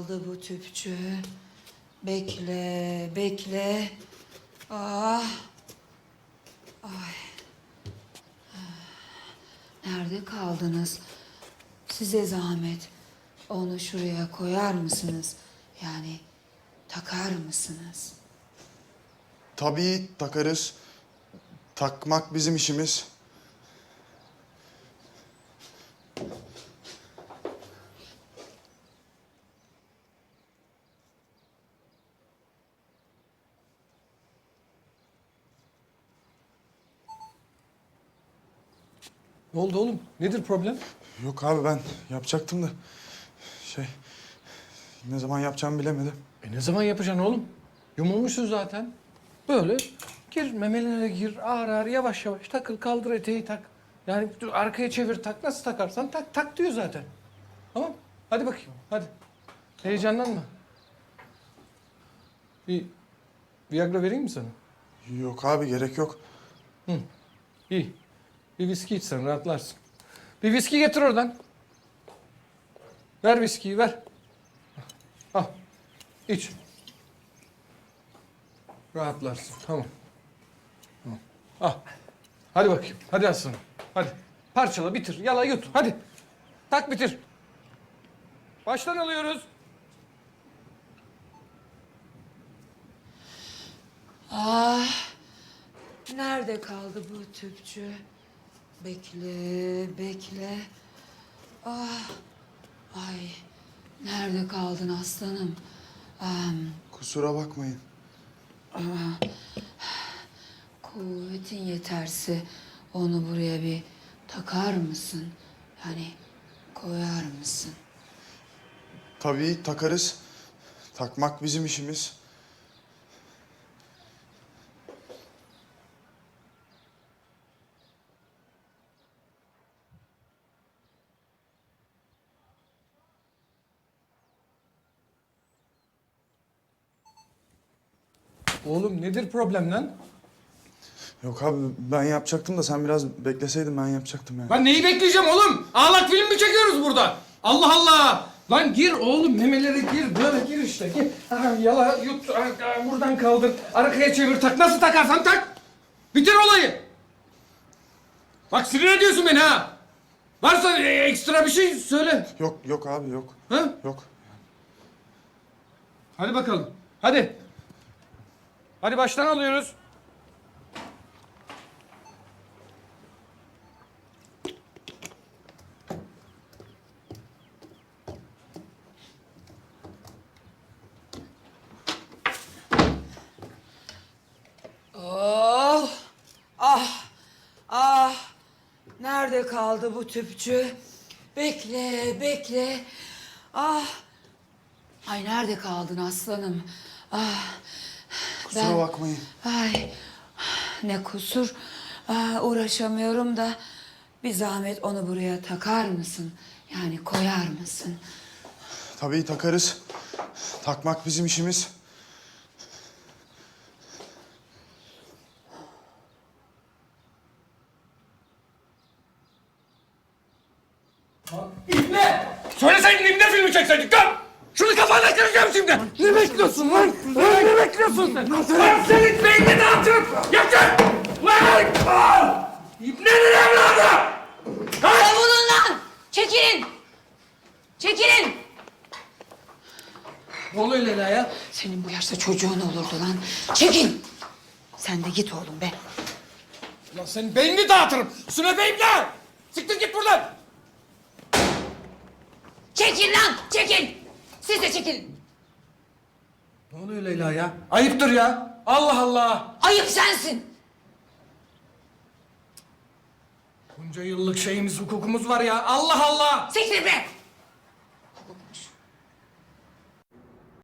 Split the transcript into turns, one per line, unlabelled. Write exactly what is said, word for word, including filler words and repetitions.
kaldı bu tüpçü? Bekle, bekle. Ah. Ay. Nerede kaldınız? Size zahmet. Onu şuraya koyar mısınız? Yani takar mısınız?
Tabii takarız. Takmak bizim işimiz.
Ne oldu oğlum? Nedir problem?
Yok abi ben yapacaktım da şey ne zaman yapacağımı bilemedim.
E ne zaman yapacaksın oğlum? Yumulmuşsun zaten. Böyle gir memelere gir ağır ağır yavaş yavaş takıl kaldır eteği tak. Yani dur, arkaya çevir tak nasıl takarsan tak tak diyor zaten. Tamam hadi bakayım hadi. Heyecanlanma. Bir Viagra vereyim mi sana?
Yok abi gerek yok.
Hı. İyi. Bir viski içsen rahatlarsın. Bir viski getir oradan. Ver viskiyi ver. Al. İç. Rahatlarsın. Tamam. Tamam. Al. Hadi bakayım. Hadi aslanım. Hadi. Parçala bitir. Yala yut. Hadi. Tak bitir. Baştan alıyoruz.
Ah. Nerede kaldı bu tüpçü? Bekle, bekle. Ah. Ay. Nerede kaldın aslanım? Ah.
Kusura bakmayın.
Kuvvetin yeterse onu buraya bir takar mısın? Yani koyar mısın?
Tabii takarız. Takmak bizim işimiz.
Oğlum nedir problem lan?
Yok abi ben yapacaktım da sen biraz bekleseydin ben yapacaktım yani.
Ben neyi bekleyeceğim oğlum? Ağlak film mi çekiyoruz burada? Allah Allah! Lan gir oğlum memelere gir böyle gir işte gir. Ha, yala yut ha, ha, buradan kaldır arkaya çevir tak nasıl takarsan tak. Bitir olayı. Bak sinir ediyorsun beni ha. Varsa e, ekstra bir şey söyle.
Yok yok abi yok.
Ha?
Yok.
Hadi bakalım. Hadi. Hadi baştan alıyoruz.
Oh! Ah! Ah! Nerede kaldı bu tüpçü? Bekle, bekle. Ah! Ay nerede kaldın aslanım? Ah!
Kusura bakmayın.
Ay ne kusur. Ah, uğraşamıyorum da bir zahmet onu buraya takar mısın? Yani koyar mısın?
Tabii takarız. Takmak bizim işimiz.
İbne! Söyleseydin İbne filmi çekseydik lan! Şunu kafana kıracağım şimdi! Ne bekliyorsun lan? Ne, ne bekliyorsun sen? Lan senin beynini dağıtırım! Yakın! Lan! Aa! İbne'nin evladı!
Savunun lan! Çekilin! Çekilin!
Ne oluyor Leyla ya?
Senin bu yaşta çocuğun olurdu lan. Çekil! Sen de git oğlum be.
Lan senin beynini dağıtırım! Sünepe İbne! Siktir git buradan!
Çekil lan! Çekil! Siz de çekilin.
Ne oluyor Leyla ya? Ayıptır ya! Allah Allah!
Ayıp sensin.
Bunca yıllık şeyimiz, hukukumuz var ya! Allah Allah!
Siktir be!